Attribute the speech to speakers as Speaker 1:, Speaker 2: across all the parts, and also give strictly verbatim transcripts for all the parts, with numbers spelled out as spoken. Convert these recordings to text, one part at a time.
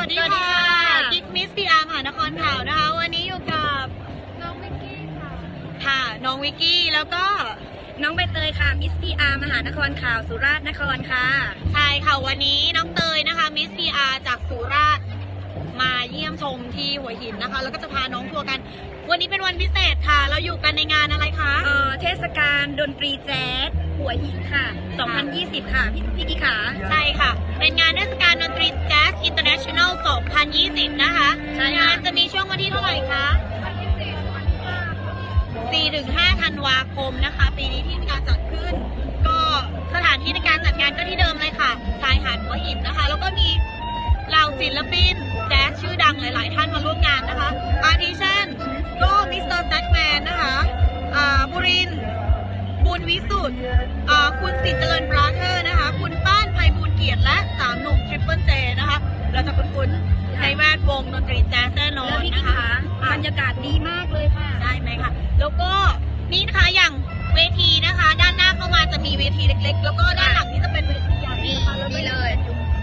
Speaker 1: วัสดีค่ะกิ๊กมิสพีอาร์มหานครข่าวนะคะวันนี้อยู่กับน้องวิกกี้ค่ะค่ะน้องวิกกี้แล้วก็
Speaker 2: น้องใบเตยค่ะมิสพีอาร์มหานครข่าวสุราษฎร์นครค่ะ
Speaker 1: ใช่ค่ะวันนี้น้องเตยนะคะมิสพีอาร์จากสุราษฎร์มาเยี่ยมชมที่หัวหินนะคะแล้วก็จะพาน้องทัวร์กันวันนี้เป็นวันพิเศษค่ะเราอยู่กันในงานอะไรคะ
Speaker 2: เอ่อเทศกาลดนตรีแจ๊สหัวหินค่ะสองพันยี่สิบค่ะพี่พี่กิ๊กขา
Speaker 1: ใช่ค่ะเป็นงานเทศกาลดนตรีแจ๊สอินเตอร์เนชั่นแนลสองพันยี่สิบนะคะงานจะมีช่วงวันที่เท่าไหร่คะสี่ถึงห้าธันวาคมนะคะปีนี้ที่มีการจัดขึ้นก็สถานที่ในการจัดงานก็ที่เดิมเลยค่ะชายหาดหัวหินนะคะแล้วก็มีเหล่าศิลปินแจ๊สชื่อดังหลายๆท่านมาร่วมงานนะคะอาทิเช่นก็มิสเตอร์แซคแมนนะคะอ่าบุรินทร์บุญวิสุทธิ์อ่าคุณสิทธิ์เจริญบราเธอร์นะคะคุณป้านไพบูลย์เกียรติและสามหนุ่มทริปเปิลเจนะคะเราจะคุ้นๆในแวดวงดนตรีแจ๊สแน่นอนนะคะ
Speaker 2: บรรยากาศดีมากเลยค่ะ
Speaker 1: ใช่ไหมคะแล้วก็นี่นะคะอย่างเวทีนะคะด้านหน้าเข้ามาจะมีเวทีเล็กๆแล้วก็ด้านหลังนี่จะเป็นเวทีใหญ่นะคะ
Speaker 2: นี่เลย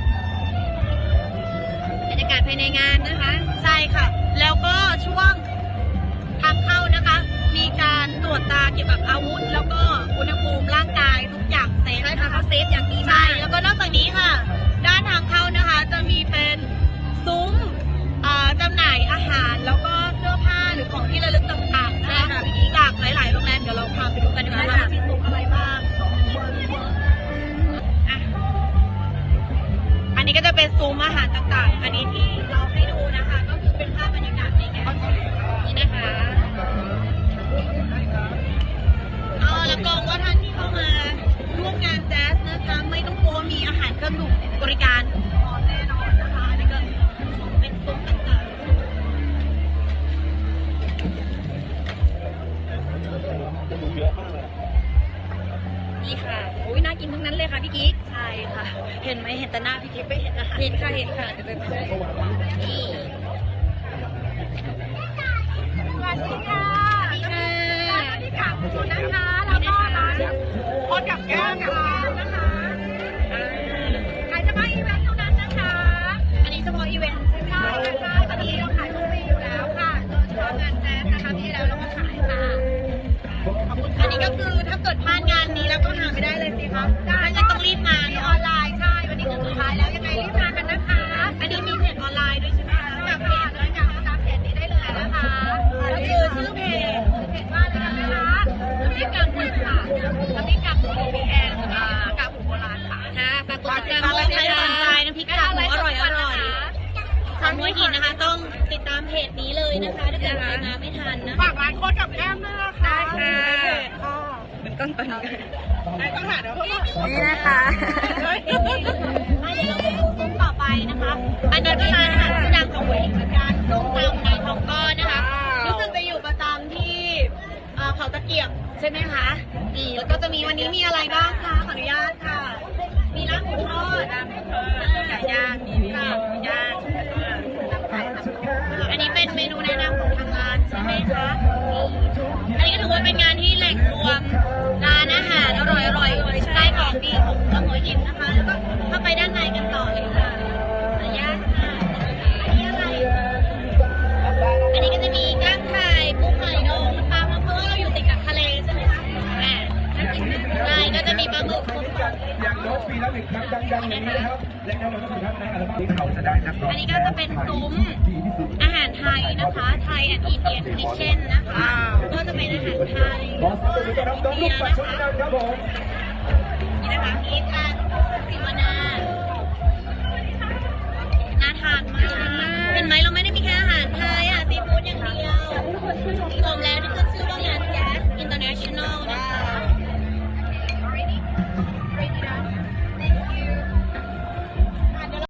Speaker 2: บรรยากาศภายในงานนะคะ
Speaker 1: ใช่ค่ะแล้วก็ช่วงทางเข้านะคะมีการตรวจตาเกี่ยวกับอาวุธแล้วก็อุณหภูมิร่างกายทุกอย่างเซฟ
Speaker 2: ใช่ค่ะเขาเซฟอย่างดี
Speaker 1: มากแล้วก็นอกจากนี้ค่ะด้านทางเข้านะคะจะมีเป็นซุ้มจำหน่ายอาหารแล้วก็เสื้อผ้าหรือของที่ระลึกต่างๆนะคะจากหลายๆโรงแรมเดี๋ยวเราพาไปดูกันดีกว่าว่ามีซุ้มอะไรบ้างอันนี้ก็จะเป็นซุ้มอาหารต่างๆอันนี้ที่เราให้ดูนะคะก็คือเป็นภาพบรรยากาศในงาน
Speaker 2: นี่นะคะ
Speaker 1: อ๋อแล้วก็ว่าท่านที่เข้ามาร่วมงานแจ๊สนะคะไม่ต้องกลัวมีอาหารเครื่องดื่มบริการพร้อมแน่นอนนะคะอันนี้ก็เป็นซุ้มต่างๆ
Speaker 2: นี่ค่ะโอ้ยน่ากินทั้งนั้นเลยค่ะพี่กิ๊ก
Speaker 1: ใช่ค่ะเห็นไหมเห็นแต่หน้าพี่กิ๊กไม่เห็นนะคะ
Speaker 2: เห็นค่ะเห็นค่ะเดี๋ยวไปดูนี่
Speaker 1: สวัสดีค่ะสวัสดีค่ะสวัสดีค่ะคุณนะคะแล้วก็ร้านโคตรกับแก้มค่ะนะคะขายเฉพาะอีเวนต์เท่านั้นนะคะอันนี้เฉพาะอีเวนต์ใช่ไหมคะใช่ตอนนี้เราขายทุกปีอยู่แล้วค่ะโดยเฉพาะงานแจ๊สนะคะที่แล้วเราก็ขายค่ะอันนี้ก็คือถ้าเกิดพลาดงานนี้แล้วก็หาไม่ได้เลยสิคะได้ก็ต้องรีบมาในออนไลน์ใช่วันนี้คือสุดท้ายแล้วยังไงรีบมากันนะคะอันนี้มีเพจออนไลน์ด้วยใช่ไหมคะจากเพจด้วยจากตามเพจนี้ได้เลยนะคะก็คือชื่อเพจเพจว่าอะไรกันนะคะน้ำพริกกากหมูค่ะน้ำพริกกากหมูมีแอนอ่ากากหมูโบราณค่ะ
Speaker 2: ค่ะฝากกดติดตาม
Speaker 1: ด้วยนะคะใครสนใจน้ำพริกกากหมูอร่อยอร่อยทางหัวหินนะคะต้องติดตามเพจนี้เลยนะคะถ้าเกิดใครมาไม่ทันนะฝากร้านโคตรกับแก้มด้วยนะคะ
Speaker 2: ได้ค่ะเป็นต้นตอนนี้
Speaker 1: ต้องหาเดี๋ยว
Speaker 2: นี่นะคะ
Speaker 1: เดี๋ยวเราไปดูซุ้มต่อไปนะคะอันนี้ก็ร้านอาหารชื่อดังของหัวหินเหมือนกันซุ้มตำนายทองก้อนนะคะรู้สึกจะอยู่ประจำที่เขาตะเกียบใช่ไหมคะนี่แล้วก็จะมีวันนี้มีอะไรบ้างคะขออนุญาตค่ะมีลาบหมูทอดลาบหมูทอดไก่ย่างมีลาบหมูย่างอันนี้เป็นเมนูแนะนำของทางร้านใช่ไหมคะอันนี้ก็ถือว่าเป็นงานที่แหล่งรวมร้านอาหารอร่อยอร่อยใช่ของดีของหัวหินนะคะแล้วก็เข้าไปด้านในกันต่อเลยค่ะขออนุญาตค่ะอันนี้อะไรอันนี้ก็จะมีก้างไข่กุ้งหอยดองปลาเพราะว่าเราอยู่ติดกับทะเลใช่ไหมคะอ่าใช่ก็จะมีปลาหมึก
Speaker 3: อย่างโน้ตปีละหนึ่งครั้งดังๆอย่างนี้นะครับและแน่นอนว่าท่านในอัลบั้มนี้เขาจะได้นักร้อง
Speaker 1: อันนี้ก็จะเป็นซุ้มอาหารไทยนะคะไทยแอนด์อินเดียนคิทเช่นนะคะก็จะเป็นอาหารไทย
Speaker 3: ขอสวัสดีครับน้องลูกปัดชนกันครับผม
Speaker 1: นี่นะคะมีการสิวนา